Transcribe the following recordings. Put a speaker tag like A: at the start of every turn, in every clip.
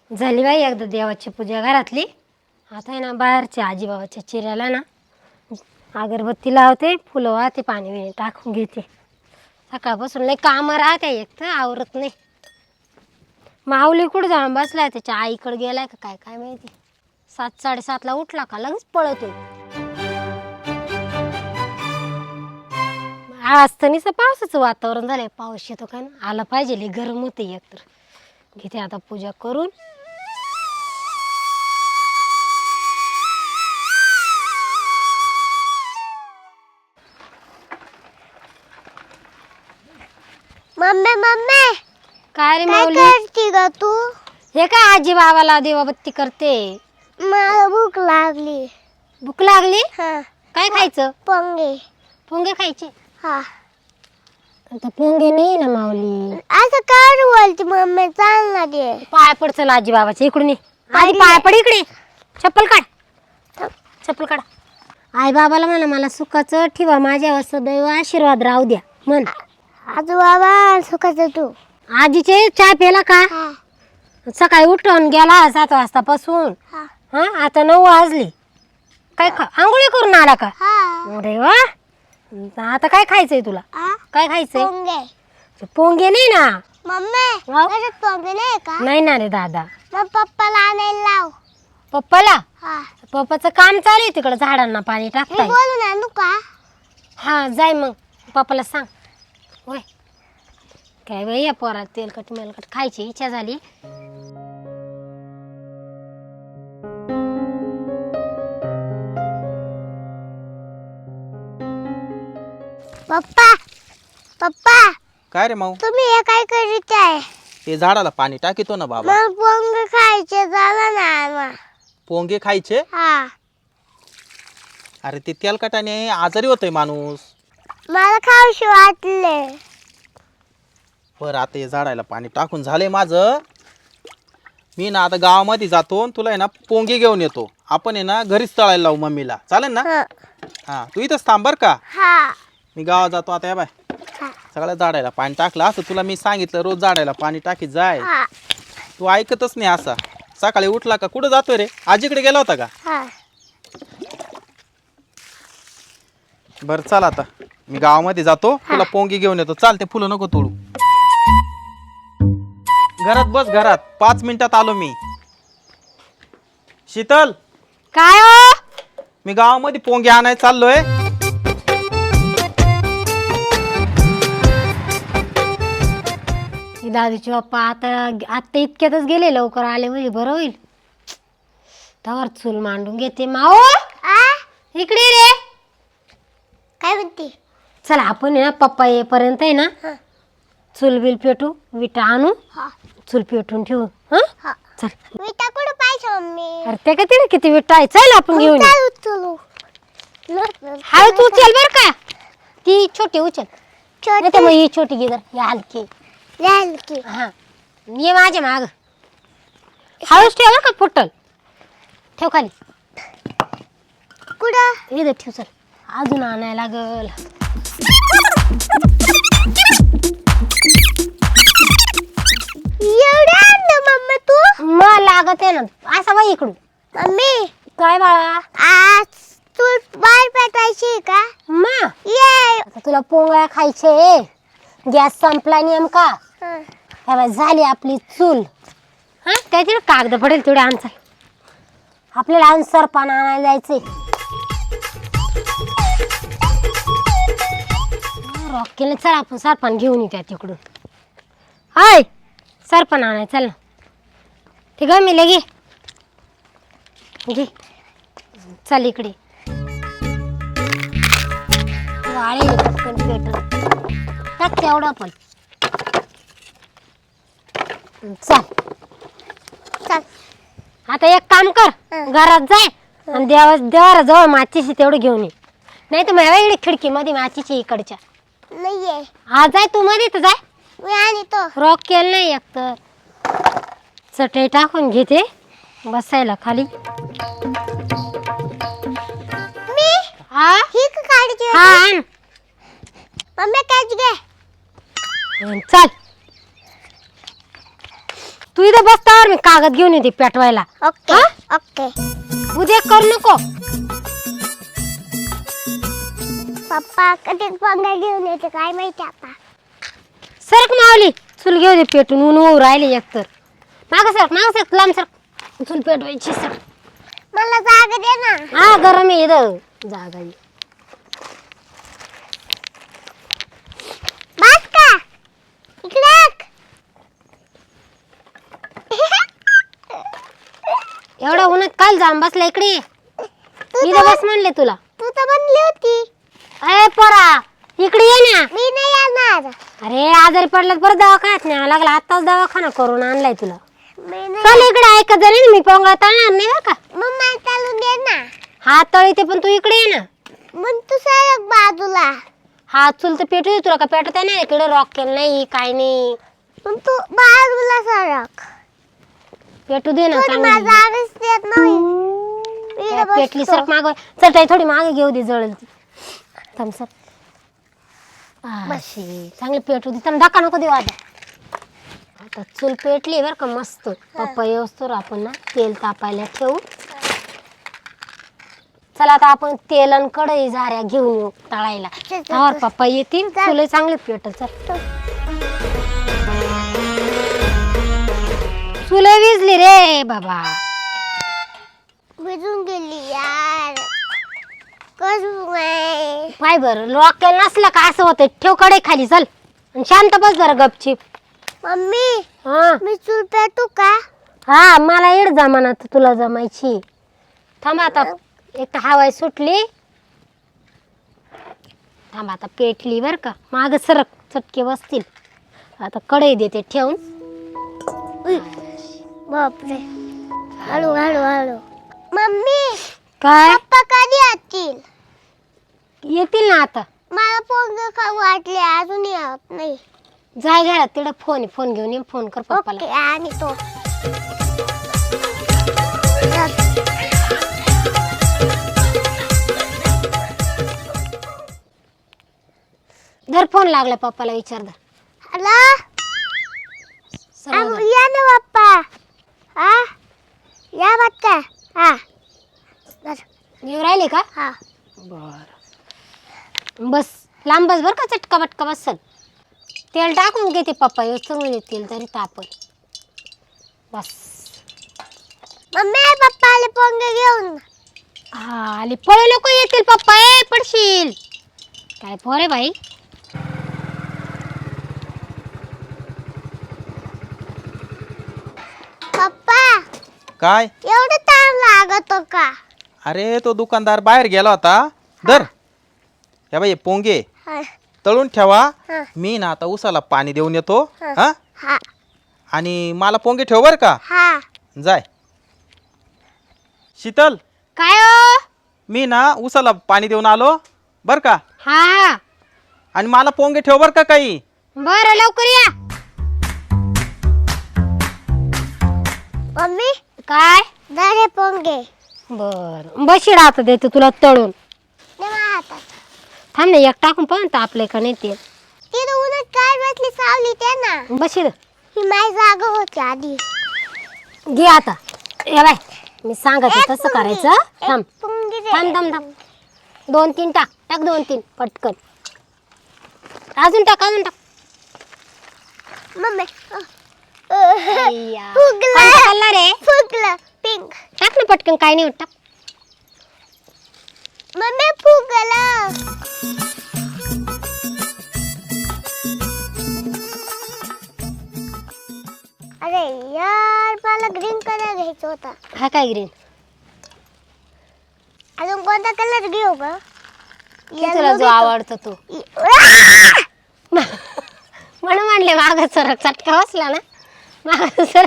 A: झाली बाई एकदा देवाची पूजा घरातली. आता आहे ना बाहेरच्या आजीबाबाच्या चिऱ्याला ना अगरबत्ती लावते, फुलं वाहते, पाणी बिणी टाकून घेते. सकाळपासून लई कामं राहते, एक तर आवरत नाही. माऊली कुठं जाऊन बसलाय, त्याच्या आईकडे गेलाय का काय काय माहिती. 7-7:30ला उठला का लगेच पळतो. आज तर नुसतं पावसाचं वातावरण झालंय, पाऊस येतो का ना, आला पाहिजे. लई गरम होते एकतर. घेते आता पूजा करून.
B: मम्मी मम्मी
A: काय रे
B: काय
A: माऊली?
B: करते ग तू?
A: हे काय आजी बाबाला देवाबत्ती करते.
B: मला भूक लागली.
A: भूक लागली?
B: हा
A: काय खायचं?
B: पोंगे.
A: पोंगे खायचे?
B: हा
A: आता पोंगे नाही ना माऊली.
B: असं काय बोलते मम्मी? चाल ना दे.
A: पाय पड चल आजी बाबाच्या इकडून ये. आधी पाय पड इकडे. चप्पल काढ, चप्पल काढ. आई बाबाला म्हणा मला सुखाचं ठेवा, माझ्यावर सदैव आशीर्वाद राहू द्या म्हण.
B: आजू बाबा सुखाचं तू.
A: आजीचे चहा प्याला का?
B: हा
A: सकाळी उठून गेला 7 वाजतापासून.
B: हा
A: हा आता 9 वाजले. काय आंघोळी करून आला का?
B: हा
A: अरे वा. आता काय खायचंय तुला?
B: हा
A: काय खायचंय?
B: पोंगे.
A: पोंगे नाही ना.
B: मम्मी
A: हा?
B: त्याच्यात पोंगे नाही का?
A: नाही ना रे दादा.
B: मग पप्पाला आणायला लाव.
A: पप्पाला?
B: हा
A: पप्पाचं काम चालू आहे तिकडं, झाडांना पाणी
B: मी
A: टाकताय.
B: बोलून आणू का?
A: हा जाय मग पप्पाला सांग. होय काय बाई या पोरात तेलकट मेलकट खायची इच्छा झाली.
B: पप्पा पप्पा
C: काय रे माऊ?
B: तुम्ही हे काय करीत आहे?
C: ते झाडाला पाणी टाकीतो ना बाबा.
B: मला पोंगे खायचे, झालं ना आणा.
C: पोंगे खायचे?
B: हा
C: अरे ते तेलकटाने आजारी होतोय माणूस.
B: मला खाऊशी वाटले.
C: बरं आता हे झाडाला पाणी टाकून झालंय माझं. मी ना आता गावामध्ये जातो आणि तुला आहे ना पोंगे घेऊन येतो. आपण आहे ना घरीच तळायला लावू मम्मीला, चालेल ना?
B: हा
C: हा तू इथंच थांब बरं का.
B: हा
C: मी गावात जातो आता. या बाय
B: हा
C: सगळ्या झाडाला पाणी टाकलं असं तुला मी सांगितलं, रोज झाडाला पाणी टाकीत जाय.
B: हा
C: तू ऐकतच नाही. असा सकाळी उठला का कुठं जातोय रे? आजीकडे गेला होता का?
B: हा
C: बरं चल आता मी गावामध्ये जातो, तुला पोंगी घेऊन येतो. चाल ते फुलं नको तोडू. घरात बस, घरात 5 मिनिटात आलो मी. शीतल
A: काय हो?
C: मी गावामध्ये पोंगे आणायला चाललोय.
A: दादूचे पप्पा आता इतक्यातच गेले, लवकर आले म्हणजे बरं होईल. तवर चूल मांडून घेते. माओ
B: आ
A: इकडे रे.
B: काय म्हणते?
A: चला आपण आहे ना पप्पा येईपर्यंत आहे ना
B: हा
A: चूल बिल पेटू, विटा आणू,
B: हा
A: चूल पेटून ठेवू. हा
B: हा
A: चल.
B: विटा कुठं पाहिजे मम्मी?
A: अरे ते का तिने किती विटा आहे, चल आपण घेऊन येऊ.
B: चलू
A: हा तू उचल बर का, ती छोटी उचल. नाही तर मग ही छोटी घे जर, ही हलकी.
B: छोटी
A: हा ये माझ्या माग. हळूच ठेव बरं का, फुटल. ठेव खाली.
B: कुठं?
A: इथं ठेव. चल अजून आणायला लागल.
B: एवढं आणलं मम्मी तू?
A: मग लागत आहे ना. असा बाई इकडून.
B: मम्मी
A: काय बाळा?
B: आज तू बाहेर पेटायची का?
A: मा
B: ये
A: आता तुला पोंगळ्या खायचे. गॅस संपला नेमका. ह्या बाई झाली आपली चूल. हा काय तिकडे कागद पडेल तेवढे आणचा. आपल्याला आणून सरपान आणायला जायचंय. रॉकेल चल आपण सरपान घेऊन येत्या तिकडून. हाय सरपान आणाय चल ना. ते ग मी लगे घे. चल इकडे. वाळे पटकन पेटून टाक तेवढा पण. चल
B: चल
A: आता एक काम कर, घरात जाय आणि देवारा जवळ माचीशी तेवढं घेऊन ये. नाही तर मला इकडे खिडकीमध्ये माचीची इकडच्या.
B: नाहीये.
A: हा जाय तू मध्ये तर जाय.
B: मी आणि तो
A: रॉक केलं नाही एक तर. चटई टाकून घेते बसायला खाली.
B: मी
A: हा
B: ही काढायची
A: हा आण.
B: मम्मी काढ घे.
A: चल तू इथं बसतावर मी कागद घेऊन येते पेटवायला.
B: ओके
A: हा?
B: ओके.
A: उद्या करू नको.
B: पप्पा कधी पंगा घेऊन येते काय माहिती आता.
A: सरक मावली चूल घेऊ दे पेटून ऊन होऊ राहिले एकतर. माग सरक लांब सरक. चूल पेटवायची सर.
B: मला जागा दे ना.
A: हा गरम आहे इथं जागा आहे.
B: बस का इकडे एक.
A: एवढा उन्हात काल जाम बसला इकडे ये. इथं बस म्हणले तुला.
B: तू तर बनली होती.
A: अरे पोरा इकडे ये ना.
B: मी नाही येणार.
A: अरे आजारी पडला परत दवाखान्यात न्यावं लागला. आताच दवाखाना करून आणलाय तुला.
B: मी नाही.
A: चल इकडे ऐकत झाली ना मी पोंगळा तळणार नाही बरं का.
B: मग मला चालून दे ना.
A: हात तळीते पण तू इकडे ये ना.
B: मग तू सरक बाजूला.
A: हात चुल तर पेटू दे तुला का पेटत आहे ना इकडे रॉक केलं नाही काय नाही.
B: मग तू बाजूला सरक.
A: पेटू दे ना
B: थोडी
A: चांगली.
B: माझा आवाज देत नाही. मी इथं
A: पेटली
B: बसतो.
A: सरक माग. चल ताई थोडी मागे घेऊ दे जळल ती. थांब सर. अशी चांगली पेटू दे. थांब धक्का नको देऊ आता. आता चूल पेटली बरं का मस्त. पप्पा येऊस्तोवर आपण ना तेल तापायला ठेवू. चला आता आपण तेल आणि कढई झाऱ्या घेऊन येऊ तळायला.
B: चल, चल,
A: और
B: चल.
A: पप्पा येतील
B: चल.
A: चुले चांगले पेटल. चल चुले विजली रे बाबा.
B: भिजून गेली यार. कसं नाही.
A: पाय बरं लॉक केलं नसलं का असं होतं. ठेव कढई खाली चल आणि शांत बस जरा गपचीप.
B: मम्मी
A: हा
B: मी चूल पेटू का.
A: हा मला एड जमाना तर तुला जमायची. थांब आता एक तर हवाय सुटली. थांब आता पेटली बर का. माग सरक चटके बसतील. आता कढई देते ठेवून.
B: बापरे. हळू हळू हळू. मम्मी
A: काय
B: पप्पा कधी येतील.
A: येतील ना आता.
B: मला पोंग खाऊ वाटले अजून येत नाही.
A: जाय घरात तिकडे फोन फोन घेऊन ये. फोन कर पप्पाला.
B: ओके आणि तो
A: धर फोन लागला पप्पाला विचार धर.
B: हॅलो
A: समोर धर.
B: या ना पप्पा. हा या बच्चा. हा बस.
A: येऊ राहिले का.
B: हा
A: बर बस लांब बस बर का. चटका बटका बसल. तेल टाकून घेते पप्पा येऊस्तोवर म्हणजे तेल तरी तापल. बस
B: मम्मी पप्पा आले पोंग घेऊन.
A: हा आली. पळू नको येतील पप्पा. ए पडशील. काय पोर आहे बाई.
B: पप्पा
C: काय
B: एवढं ताण लागत का.
C: अरे तो दुकानदार बाहेर गेला होता. दर या बाई पोंगे
B: हा
C: तळून ठेवा.
B: हा
C: मी ना आता उसाला पाणी देऊन येतो.
B: हा.
C: हा
B: हा
C: आणि मला पोंगे ठेव बर का.
B: हा.
C: जाय. शीतल
A: काय हो.
C: मी ना उसाला पाणी देऊन आलो बर का.
A: हा हा
C: आणि मला पोंगे ठेव बर का काही.
A: बरं लवकर या.
B: मम्मी
A: काय
B: दरे पोंगे.
A: बर बशीड आता देते तुला तळून.
B: दे माझ्या हातात.
A: थांब ना एक टाकून पाहून तापले का नाही तेल.
B: तिथं उन्हात काय बसली सावली ते ना.
A: बशीड
B: ही माझी जागा होती आधी.
A: घे आता. या बाय मी सांगते
B: एक
A: तसं
B: पोंगी.
A: करायचं.
B: एक
A: थांब
B: पोंगी दे.
A: थांब थांब थांब. 2-3 टाक. टाक 2-3 पटकन. अजून टाक अजून टाक.
B: मम्मी
A: अय्या.
B: फुगलं.
A: कोणता कलर आहे.
B: फुगलं पिंक.
A: टाक ना पटकन काय नाही होत. टाक.
B: मम्मी फुगलं. अरे यार मला ग्रीन कलर घ्यायचा होता.
A: हा काय ग्रीन.
B: अजून कोणता कलर घेऊ ग.
A: तुला जो आवडतो तो. म्हणून म्हणले माग सर चटका बसला ना. माग सर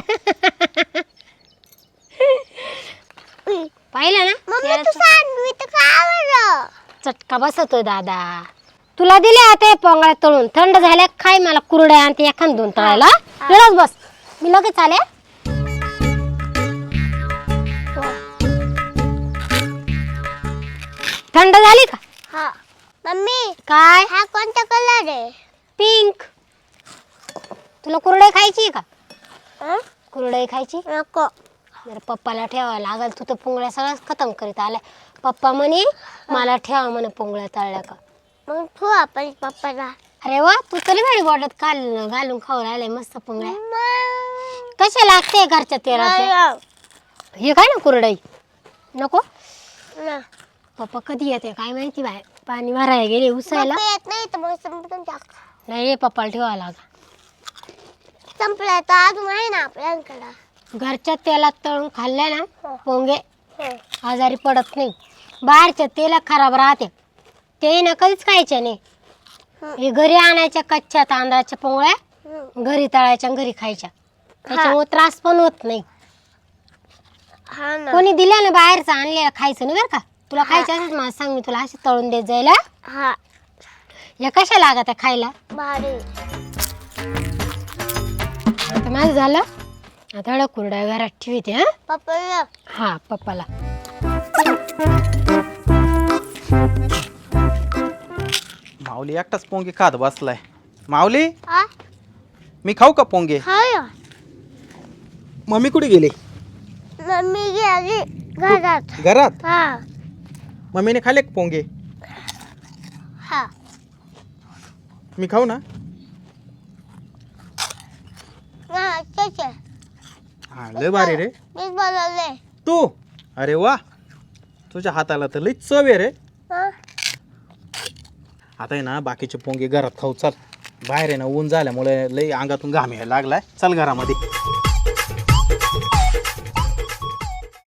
A: पाहिलं ना.
B: मम्मी तू सांग मी तर खावं.
A: चटका बसतोय दादा. तुला दिले आता पोंगळ्या तळून. थंड झाल्या खाय. मला कुरड्या आणि एखाद 2 तळायला. वेळच बस मी लगेच आले. थंड झाली का.
B: हा मम्मी
A: काय
B: हा कोणता कलर आहे.
A: पिंक. तुला कुरडे खायची का.
B: हं?
A: कुरडई खायची
B: नको.
A: जरा पप्पाला ठेवावं लागल. तू तर पोंगळ्या सगळ्याच खतम करीत आलाय. पप्पा म्हणे मला ठेवा म्हणे पोंगळ्या तळल्या का.
B: मग ठेवू आपण पप्पाला.
A: अरे वा, तू तरी भारी बॉटत घालून खाऊ राहिले मस्त पोंगळ्या.
B: मग
A: कशा लागते घरच्या तेलाचे.
B: नाही.
A: हे काय ना कुरडई नको.
B: ना.
A: पप्पा कधी येते काय माहिती बाय. पाणी भरायला गेले उसायला.
B: पप्पा येत नाही तर मग संपून टाक.
A: नाही रे, पप्पाला ठेवावं लागा.
B: संपलं तर अजून आहे ना आपल्याकडं.
A: घरच्या तेलात तळून खाल्ल्या ना
B: हो.
A: पोंगे
B: हो.
A: आजारी पडत नाही. बाहेरच्या तेला खराब राहते ते ना कधीच खायचे नाही. हे घरी आणायच्या कच्च्या तांदळाच्या पोंगळ्या
B: हम्म.
A: घरी तळायच्या आणि घरी खायच्या. त्याच्यामुळे त्रास पण होत नाही.
B: हा ना.
A: कोणी दिल्या ना बाहेरचं आणलेलं खायचं नाही बरं का. तुला खायचं असेल मला सांग, मी तुला असे तळून देत जायला.
B: हा.
A: या कशा लागत आहे खायला.
B: भारी.
A: आता माझं झालं. आता एवढ्या कुरड्या घरात ठेवते. हा
B: पप्पा
A: हा पप्पाला.
C: माऊली एकटाच पोंगे खात बसलाय. माऊली,
B: हा.
C: मी खाऊ का पोंगे.
B: हाय.
C: मम्मी कुठे गेली.
B: मम्मी गेली घरात.
C: घरात.
B: हा.
C: मम्मीने खाल्ले का पोंगे.
B: हा.
C: मी खाऊ ना.
B: हा ठीक आहे.
C: हा लय भारी रे
B: मीच बनवले.
C: तू. अरे वा, तुझ्या हाताला तर लई चव आहे रे.
B: हा.
C: आता आहे ना बाकीचे पोंगे घरात खाऊ. चल, बाहेर आहे ना ऊन झाल्यामुळे लई अंगातून घाम यायला लागलाय. चल घरामध्ये.